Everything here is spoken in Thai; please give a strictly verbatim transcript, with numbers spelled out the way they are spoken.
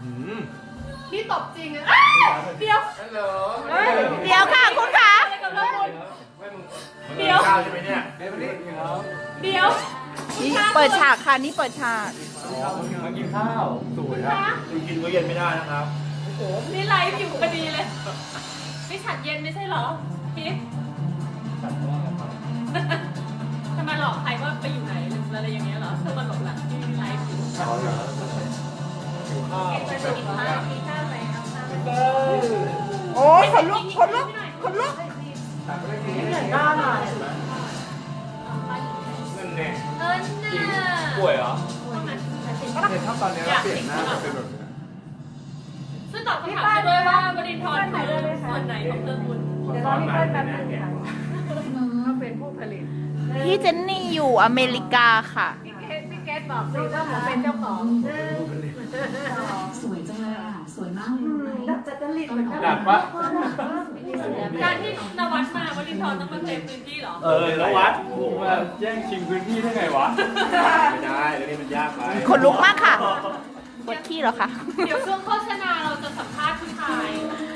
พี่ตบจริงอะเดี๋ยวฮัลโหลเดี๋ยวค่ะคุณคะเดี๋ยวข้าวใช่ไหมเนี่ยเดี๋ยวนี่เปิดฉากค่ะนี่เปิดฉากมากินข้าวสวยครับกินมื้อเย็นไม่ได้นะครับนี่ไลฟ์อยู่พอดีเลยไม่ฉัดเย็นไม่ใช่เหรอพิษทำไมหลอกใครว่าไปอยู่ไหนหรืออะไรอย่างเงี้ยเหรอเธอมาหลบหลังที่ไลฟ์อยู่ข้าวเหรอหิวข้าวไปกินข้าวกินข้าวไปเอาข้าวไปโอ้ยขนลุกขนลุกขนลุกตักไม่ได้กินเหมือนด้านอ่ะนั่นแน่เออน่ะป่วยเหรอเนี่ยถ้าตอนนี้เราเปลี่ยนหน้าจะเป็นแบบนี้ซึ่งตอบคำถามด้วยว่าบรินทร์คือส่วนไหนของเครื่องบุญเดี๋ยวรอพี่เปิ้ลแป๊บนึงเขาเป็นผู้ผลิตพี่เจนนี่อยู่อเมริกาค่ะพี่เกดพี่เกดบอกสิว่าผมเป็นเจ้าของสวยจังเลยอ่ะ สวยมากเลยรู้ไหมหนักปะการที่นวัดมาบรินทร์ต้องมาเต็มพื้นที่เหรอเออแล้ววัดผมมาแย่งชิงพื้นที่ได้ไงวะไม่ได้เรื่องนี้มันยากไปขนลุกมากค่ะปวดขี้เหรอคะเดี๋ยวช่วงโฆษณาเราจะสัมภาษณ์ผู้ชาย